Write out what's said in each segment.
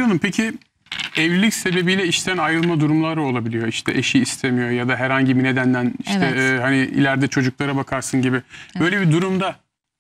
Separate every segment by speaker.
Speaker 1: Hanım, peki evlilik sebebiyle işten ayrılma durumları olabiliyor. İşte eşi istemiyor ya da herhangi bir nedenden işte
Speaker 2: Evet.
Speaker 1: hani ileride çocuklara bakarsın gibi. Böyle bir durumda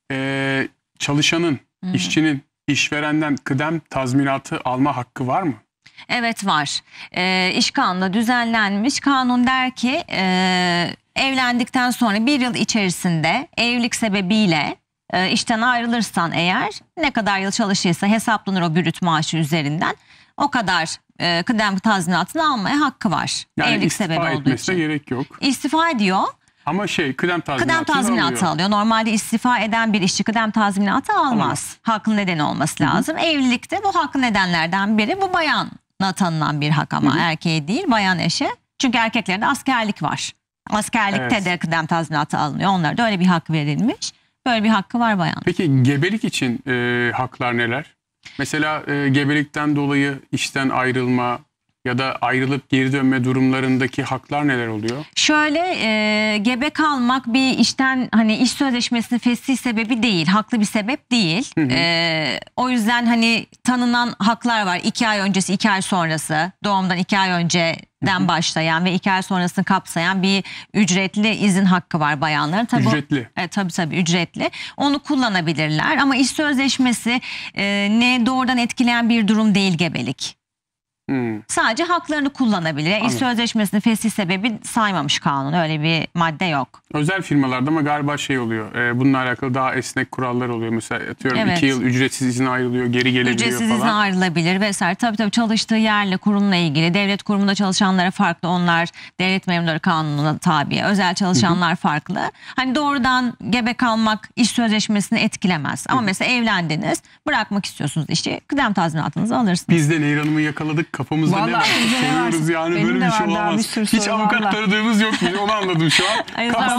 Speaker 1: çalışanın, işçinin işverenden kıdem tazminatı alma hakkı var mı?
Speaker 2: Evet, var. İş kanunu düzenlenmiş. Kanun der ki evlendikten sonra bir yıl içerisinde evlilik sebebiyle işten ayrılırsan eğer ne kadar yıl çalışırsa hesaplanır o brüt maaşı üzerinden. O kadar kıdem tazminatını almaya hakkı var.
Speaker 1: Yani
Speaker 2: evlilik
Speaker 1: istifa
Speaker 2: sebebi olduğu
Speaker 1: etmesine
Speaker 2: için.
Speaker 1: gerek yok.
Speaker 2: İstifa ediyor.
Speaker 1: Ama kıdem
Speaker 2: Kıdem tazminatı alıyor. Normalde istifa eden bir işçi kıdem tazminatı almaz. Haklı nedeni olması lazım. Evlilikte bu haklı nedenlerden biri, bu bayana tanınan bir hak ama erkeğe değil, bayan eşe. Çünkü erkeklerde askerlik var. Askerlikte de kıdem tazminatı alınıyor. Onlara da öyle bir hak verilmiş. Böyle bir hakkı var bayan.
Speaker 1: Peki gebelik için haklar neler? Mesela gebelikten dolayı işten ayrılma ya da ayrılıp geri dönme durumlarındaki haklar neler oluyor?
Speaker 2: Şöyle gebe kalmak bir işten, hani iş sözleşmesinin fesih sebebi değil, haklı bir sebep değil. O yüzden hani tanınan haklar var. 2 ay öncesi, 2 ay sonrası, doğumdan 2 ay önceden başlayan ve 2 ay sonrasını kapsayan bir ücretli izin hakkı var bayanların. Tabii
Speaker 1: Ücretli.
Speaker 2: Tabii ücretli. Onu kullanabilirler ama iş sözleşmesi ne doğrudan etkileyen bir durum değil gebelik. Sadece haklarını kullanabilir. İş sözleşmesinin fesih sebebi saymamış kanun. Öyle bir madde yok.
Speaker 1: Özel firmalarda ama galiba oluyor. Bununla alakalı daha esnek kurallar oluyor. Mesela atıyorum 2 yıl ücretsiz izine ayrılıyor, geri gelebiliyor
Speaker 2: ücretsiz
Speaker 1: falan.
Speaker 2: izine ayrılabilir vesaire. Tabii çalıştığı yerle, kurumla ilgili. Devlet kurumunda çalışanlara farklı. Onlar devlet memurları kanununa tabi. Özel çalışanlar farklı. Hani doğrudan gebe kalmak iş sözleşmesini etkilemez. Ama mesela evlendiniz, bırakmak istiyorsunuz işi, kıdem tazminatınızı alırsınız.
Speaker 1: Biz de Nehir Hanım'ı yakaladık. Kafamızda ne var? Soruyoruz yani,
Speaker 3: benim
Speaker 1: böyle bir şey olamaz. Hiç avukat tanıdığımız yok. Onu anladım şu an.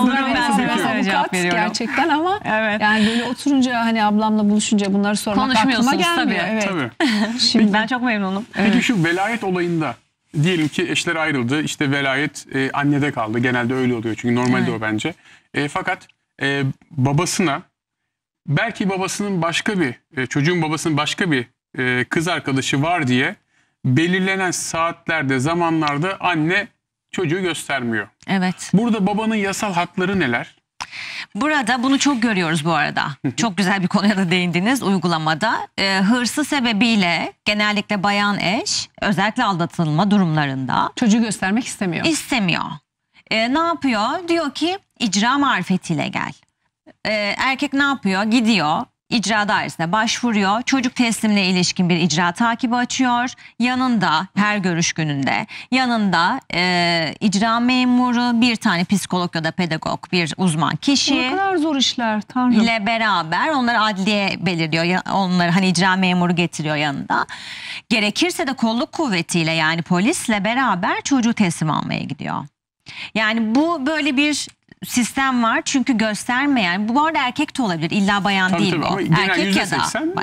Speaker 3: Avukat gerçekten ama yani böyle oturunca hani ablamla buluşunca bunları sormak aklıma gelmiyor.
Speaker 1: Tabii.
Speaker 2: Şimdi ben çok memnunum.
Speaker 1: Peki şu velayet olayında diyelim ki eşler ayrıldı. İşte velayet annede kaldı. Genelde öyle oluyor çünkü normalde o bence. Fakat babasına, belki babasının başka bir çocuğun babasının başka bir kız arkadaşı var diye belirlenen saatlerde, zamanlarda anne çocuğu göstermiyor.
Speaker 2: Evet.
Speaker 1: Burada babanın yasal hakları neler?
Speaker 2: Burada bunu çok görüyoruz bu arada. Çok güzel bir konuya da değindiniz uygulamada. Hırsı sebebiyle genellikle bayan eş, özellikle aldatılma durumlarında
Speaker 3: çocuğu göstermek istemiyor.
Speaker 2: İstemiyor. Ne yapıyor? Diyor ki icra marifetiyle gel. Erkek ne yapıyor? Gidiyor. İcra dairesine başvuruyor. Çocuk teslimine ilişkin bir icra takibi açıyor. Yanında her görüş gününde yanında icra memuru, bir tane psikolog ya da pedagog, bir uzman kişi.
Speaker 3: Ne kadar zor işler Tanrım.
Speaker 2: ile beraber onları adliye belirliyor. Onları hani icra memuru getiriyor yanında. Gerekirse de kolluk kuvvetiyle, yani polisle beraber çocuğu teslim almaya gidiyor. Yani bu böyle bir sistem var çünkü göstermeyen, bu arada erkek de olabilir, illa bayan değil bu. Erkek ya da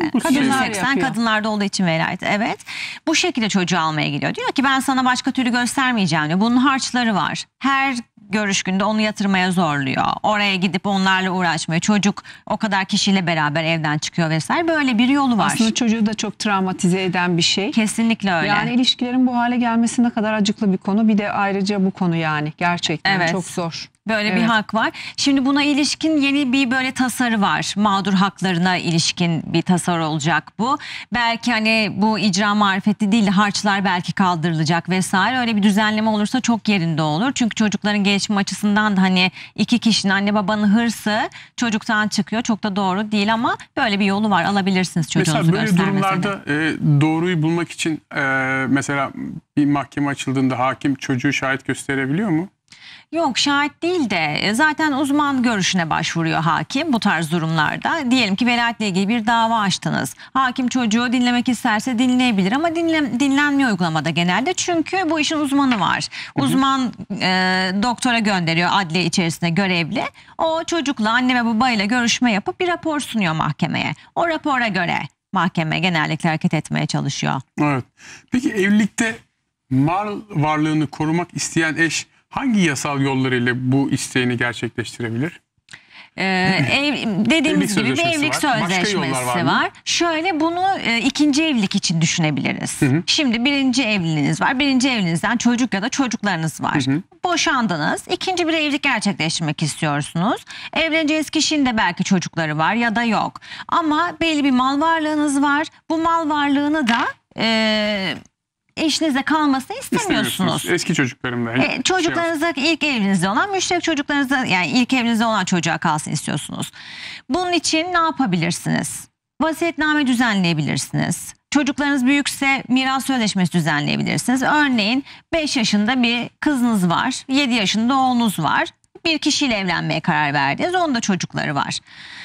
Speaker 3: kadınlar
Speaker 2: kadınlarda olduğu için velayet. Evet. Bu şekilde çocuğu almaya gidiyor. Diyor ki ben sana başka türlü göstermeyeceğim diyor. Bunun harçları var. Her görüş günde onu yatırmaya zorluyor. Oraya gidip onlarla uğraşmaya. Çocuk o kadar kişiyle beraber evden çıkıyor vesaire. Böyle bir yolu var.
Speaker 3: Aslında çocuğu da çok travmatize eden bir şey.
Speaker 2: Kesinlikle öyle.
Speaker 3: Yani ilişkilerin bu hale gelmesi ne kadar acıklı bir konu. Bir de ayrıca bu konu yani gerçekten çok zor.
Speaker 2: Böyle bir hak var. Şimdi buna ilişkin yeni bir böyle tasarı var. Mağdur haklarına ilişkin bir tasarı olacak bu. Belki hani bu icra marifeti değil de harçlar belki kaldırılacak vesaire. Öyle bir düzenleme olursa çok yerinde olur. Çünkü çocukların gelişim açısından da hani iki kişinin, anne babanın hırsı çocuktan çıkıyor. Çok da doğru değil ama böyle bir yolu var. Alabilirsiniz çocuğunuzu göstermesini.
Speaker 1: Mesela böyle durumlarda doğruyu bulmak için mesela bir mahkeme açıldığında hakim çocuğu şahit gösterebiliyor mu?
Speaker 2: Yok, şahit değil de zaten uzman görüşüne başvuruyor hakim bu tarz durumlarda. Diyelim ki velayetle ilgili bir dava açtınız. Hakim çocuğu dinlemek isterse dinleyebilir ama dinlenmiyor uygulamada genelde. Çünkü bu işin uzmanı var. Uzman doktora gönderiyor, adliye içerisinde görevli. O çocukla, anne ve babayla görüşme yapıp bir rapor sunuyor mahkemeye. O rapora göre mahkeme genellikle hareket etmeye çalışıyor.
Speaker 1: Evet. Peki evlilikte mal varlığını korumak isteyen eş hangi yasal yollarıyla bu isteğini gerçekleştirebilir?
Speaker 2: Dediğimiz gibi bir evlilik sözleşmesi var. Şöyle bunu ikinci evlilik için düşünebiliriz. Şimdi birinci evliliğiniz var. Birinci evliliğinizden çocuk ya da çocuklarınız var. Boşandınız. İkinci bir evlilik gerçekleştirmek istiyorsunuz. Evleneceğiniz kişinin de belki çocukları var ya da yok. Ama belli bir mal varlığınız var. Bu mal varlığını da eşinizle kalmasını istemiyorsunuz.
Speaker 1: Eski çocuklarımda.
Speaker 2: Çocuklarınızda ilk evinizde olan, müşterek çocuklarınızda, yani ilk evinizde olan çocuğa kalsın istiyorsunuz. Bunun için ne yapabilirsiniz? Vasiyetname düzenleyebilirsiniz. Çocuklarınız büyükse miras sözleşmesi düzenleyebilirsiniz. Örneğin 5 yaşında bir kızınız var, 7 yaşında oğlunuz var. Bir kişiyle evlenmeye karar verdiniz, onun da çocukları var.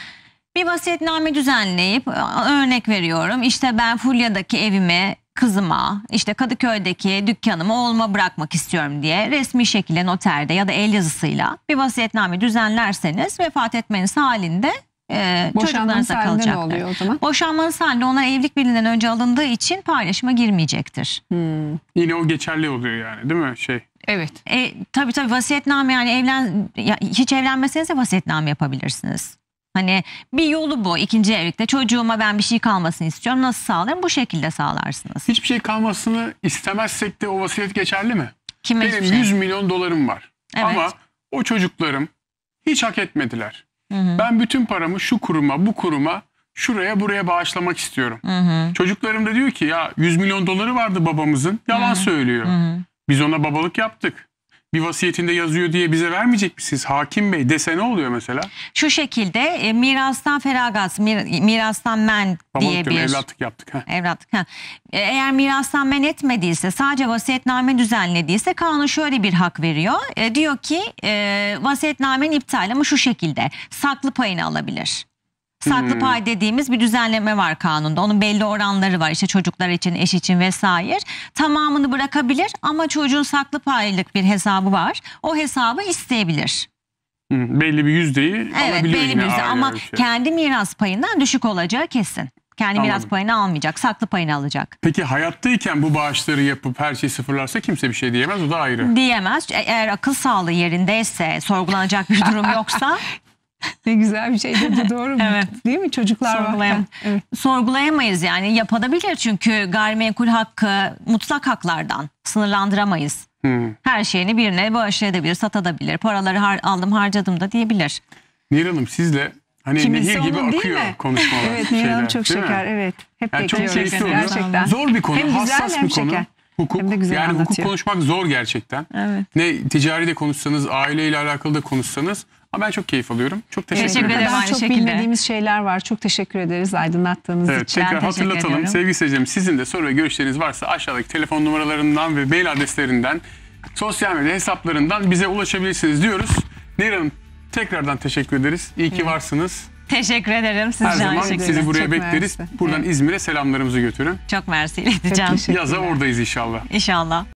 Speaker 2: Bir vasiyetname düzenleyip, örnek veriyorum, işte ben Fulya'daki evimi kızıma, işte Kadıköy'deki dükkanımı oğluma bırakmak istiyorum diye resmi şekilde noterde ya da el yazısıyla bir vasiyetname düzenlerseniz vefat etmeniz halinde çocuklarınıza kalacaktır.
Speaker 3: Oluyor o zaman?
Speaker 2: Boşanmanız halinde onlar evlilik birliğinden önce alındığı için paylaşıma girmeyecektir.
Speaker 1: Yine o geçerli oluyor yani, değil mi?
Speaker 3: Evet.
Speaker 2: Tabii vasiyetname, yani hiç evlenmeseniz de vasiyetname yapabilirsiniz. Hani bir yolu bu. İkinci evlilikte çocuğuma ben bir şey kalmasını istiyorum. Nasıl sağlarım? Bu şekilde sağlarsınız.
Speaker 1: Hiçbir şey kalmasını istemezsek de o vasiyet geçerli mi?
Speaker 2: Kime
Speaker 1: Benim 100 milyon dolarım var.
Speaker 2: Evet.
Speaker 1: Ama o çocuklarım hiç hak etmediler. Ben bütün paramı şu kuruma, bu kuruma, şuraya, buraya bağışlamak istiyorum. Çocuklarım da diyor ki ya 100 milyon doları vardı babamızın. Yalan söylüyor. Biz ona babalık yaptık. Bir vasiyetinde yazıyor diye bize vermeyecek misiniz? Hakim Bey dese ne oluyor mesela?
Speaker 2: Şu şekilde mirastan feragat, mirastan men diye bir...
Speaker 1: Evlatlık yaptık.
Speaker 2: Evlatlık. Eğer mirastan men etmediyse, sadece vasiyetname düzenlediyse kanun şöyle bir hak veriyor. Diyor ki vasiyetnamenin iptal, ama şu şekilde saklı payını alabilir. Saklı pay dediğimiz bir düzenleme var kanunda. Onun belli oranları var. İşte çocuklar için, eş için vesaire. Tamamını bırakabilir ama çocuğun saklı paylık bir hesabı var. O hesabı isteyebilir.
Speaker 1: Belli bir yüzdeyi alabiliyor.
Speaker 2: Belli bir yüzde, ama kendi miras payından düşük olacağı kesin. Kendi miras payını almayacak, saklı payını alacak.
Speaker 1: Peki hayattayken bu bağışları yapıp her şeyi sıfırlarsa kimse bir şey diyemez, o da ayrı.
Speaker 2: Diyemez. Eğer akıl sağlığı yerindeyse, sorgulanacak bir durum yoksa...
Speaker 3: Ne güzel bir şey dedi, doğru mu?
Speaker 2: Evet.
Speaker 3: Değil mi? Çocuklar var. Evet.
Speaker 2: Sorgulayamayız yani, yapabilir çünkü gayrimenkul hakkı mutlak haklardan sınırlandıramayız. Her şeyini birine bağışlayabilir, satabilir, paraları aldım harcadım da diyebilir.
Speaker 1: Nihal Hanım, sizle hani nehir gibi akıyor konuşmalar.
Speaker 3: Evet, Nihal Hanım çok şeker. Evet. Hep
Speaker 1: yani çok keyifli oluyor.
Speaker 3: Gerçekten.
Speaker 1: Zor bir konu,
Speaker 3: hem
Speaker 1: hassas
Speaker 3: güzel, hem
Speaker 1: bir konu.
Speaker 3: şeker.
Speaker 1: Hukuk, yani hukuk konuşmak zor gerçekten.
Speaker 2: Evet.
Speaker 1: Ne ticari de konuşsanız, aileyle alakalı da konuşsanız. Ama ben çok keyif alıyorum. Çok teşekkür ederim.
Speaker 3: Daha çok bilmediğimiz şeyler var. Çok teşekkür ederiz aydınlattığınız için.
Speaker 1: Tekrar hatırlatalım. Sevgili seyircilerim, sizin de soru ve görüşleriniz varsa aşağıdaki telefon numaralarından ve mail adreslerinden, sosyal medya hesaplarından bize ulaşabilirsiniz diyoruz. Nihal Hanım, tekrardan teşekkür ederiz. İyi ki varsınız.
Speaker 2: Teşekkür ederim.
Speaker 1: Her zaman sizi buraya bekleriz. Buradan İzmir'e selamlarımızı götürün.
Speaker 2: Çok mersi ileteceğim.
Speaker 1: Yaza oradayız inşallah.
Speaker 2: İnşallah.